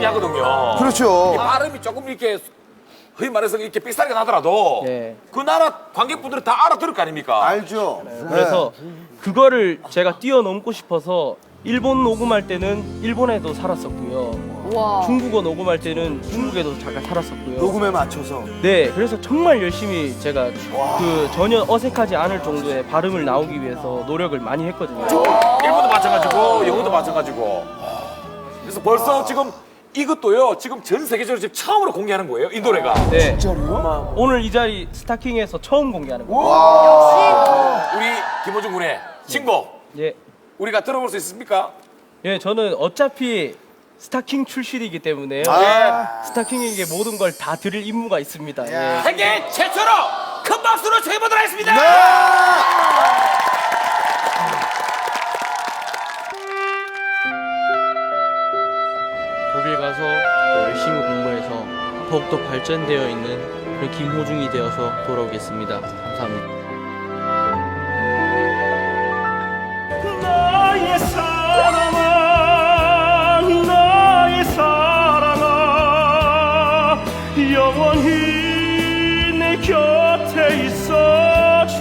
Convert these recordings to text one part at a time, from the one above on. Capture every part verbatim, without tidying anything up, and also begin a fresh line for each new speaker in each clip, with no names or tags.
하거든요.
그렇죠.
이 발음이 조금 이렇게 흔히 말해서 이렇게 삑사리가 나더라도
네.
그 나라 관객분들은 다 알아들을 거 아닙니까?
알죠.
그래서 그거를 제가 뛰어넘고 싶어서 일본 녹음할 때는 일본에도 살았었고요.
와.
중국어 녹음할 때는 중국에도 잠깐 살았었고요.
녹음에 맞춰서.
네, 그래서 정말 열심히 제가 그 전혀 어색하지 않을 정도의 발음을 나오기 위해서 노력을 많이 했거든요.
일본도 마찬가지고 영어도 마찬가지고. 그래서 벌써 지금 이것도요. 지금 전 세계적으로 지금 처음으로 공개하는 거예요. 이 노래가.
네,
진짜로요?
오늘 이 자리 스타킹에서 처음 공개하는 거예요.
우리 김호중 군의 신곡
예,
우리가 들어볼 수 있습니까?
예, 저는 어차피 스타킹 출신이기 때문에요.
아.
스타킹에게 모든 걸 다 드릴 임무가 있습니다. 예.
세계 최초로 큰 박수로 청해보도록 하겠습니다.
독일 가서 열심히 공부해서 더욱더 발전되어 있는 그런 김호중이 되어서 돌아오겠습니다. 감사합니다.
나의 사랑아 나의 사랑아 영원히 내 곁에 있어줘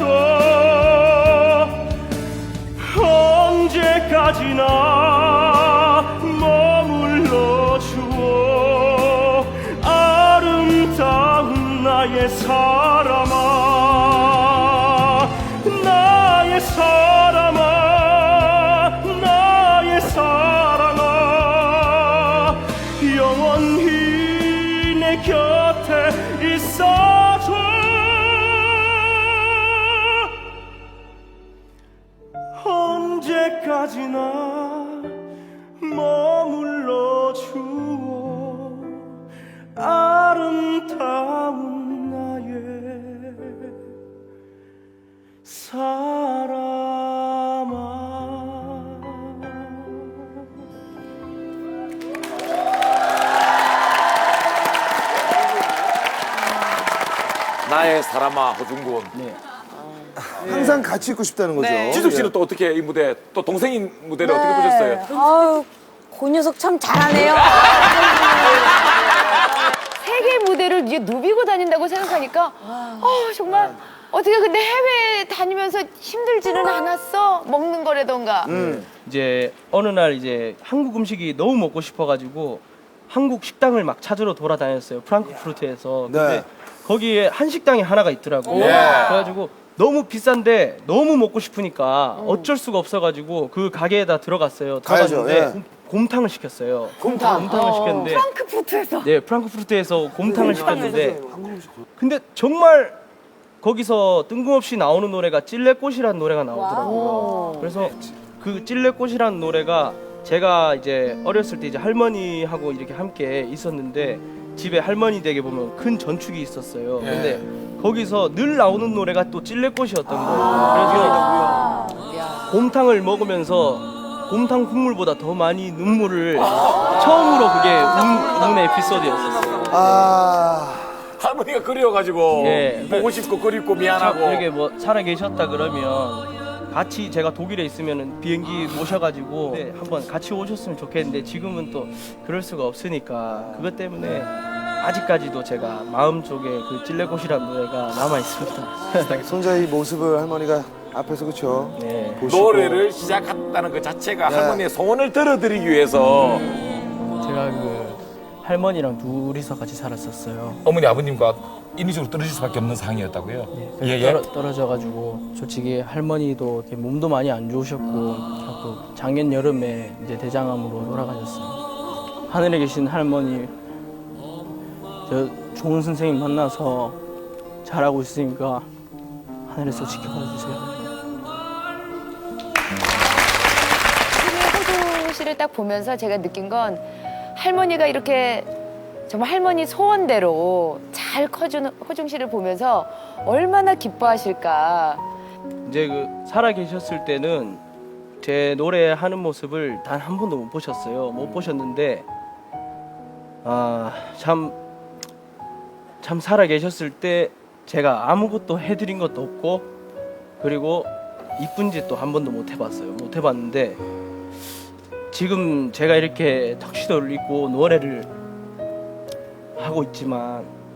언제까지나 머물러 주어 아름다운 나의 사람아 나의 사람아 영원히 내 곁에 있어줘 언제까지나 머물러 주어 아름다운 나의 사람아.
나의 사람아 호중군.
네.
항상 같이 있고 싶다는 거죠.
네.
지숙 씨는 또 어떻게 이 무대 또 동생인 무대를 어떻게 보셨어요?
아유, 그 녀석 참 잘하네요. 세계 무대를 이제 누비고 다닌다고 생각하니까, 어 정말 어떻게 근데 해외 다니면서 힘들지는 않았어? 먹는 거라던가.
음.
이제 어느 날 이제 한국 음식이 너무 먹고 싶어가지고 한국 식당을 막 찾으러 돌아다녔어요. 프랑크푸르트에서. 근데
네.
거기에 한식당이 하나가 있더라고요. 그래가지고 너무 비싼데 너무 먹고 싶으니까 어쩔 수가 없어가지고 그 가게에다 들어갔어요.
가야죠,
들어갔는데
예.
곰- 곰탕을 시켰어요.
곰탕.
곰탕을 시켰는데
프랑크푸르트에서.
네, 프랑크푸르트에서 곰탕을 시켰는데 근데 정말 거기서 뜬금없이 나오는 노래가 찔레꽃이라는 노래가 나오더라고요. 그래서 그 찔레꽃이라는 노래가 제가 이제 어렸을 때 이제 할머니하고 이렇게 함께 있었는데 집에 할머니 댁에 보면 큰 전축이 있었어요. 근데 거기서 늘 나오는 노래가 또 찔레꽃이었던 거예요. 그래서 곰탕을 먹으면서 곰탕 국물보다 더 많이 눈물을 처음으로 그게 운, 운 에피소드였었어요.
아.
할머니가 그리워가지고
예.
보고 싶고 그립고
참
미안하고.
이렇게 뭐 살아 계셨다 그러면 같이 제가 독일에 있으면 비행기 모셔가지고 네, 한번 같이 오셨으면 좋겠는데 지금은 또 그럴 수가 없으니까 그것 때문에 아직까지도 제가 마음속에 그 찔레꽃이라는 노래가 남아 있습니다.
손자의 모습을 할머니가 앞에서 그쵸.
네.
보시고.
노래를 시작했다는 그 자체가
네.
할머니의 소원을 들어드리기 위해서
제가 그 할머니랑 둘이서 같이 살았었어요.
어머니 아버님과 인위적으로 떨어질 수밖에 없는 상황이었다고요?
예, 떨어, 떨어져가지고 솔직히 할머니도 이렇게 몸도 많이 안 좋으셨고 자꾸 작년 여름에 이제 대장암으로 돌아가셨어요. 하늘에 계신 할머니 저 좋은 선생님 만나서 잘하고 있으니까 하늘에서 지켜봐 주세요.
호중 씨를 딱 보면서 제가 느낀 건 할머니가 이렇게 정말 할머니 소원대로 잘 커주는 호중 씨를 보면서 얼마나 기뻐하실까.
이제 그 살아 계셨을 때는 제 노래하는 모습을 단 한 번도 못 보셨어요. 못 보셨는데 아 참 참 살아 계셨을 때 제가 아무것도 해드린 것도 없고 그리고 이쁜 짓도 한 번도 못 해봤어요. 못 해봤는데 지금 제가 이렇게 턱시도를 입고 노래를 하고 있지만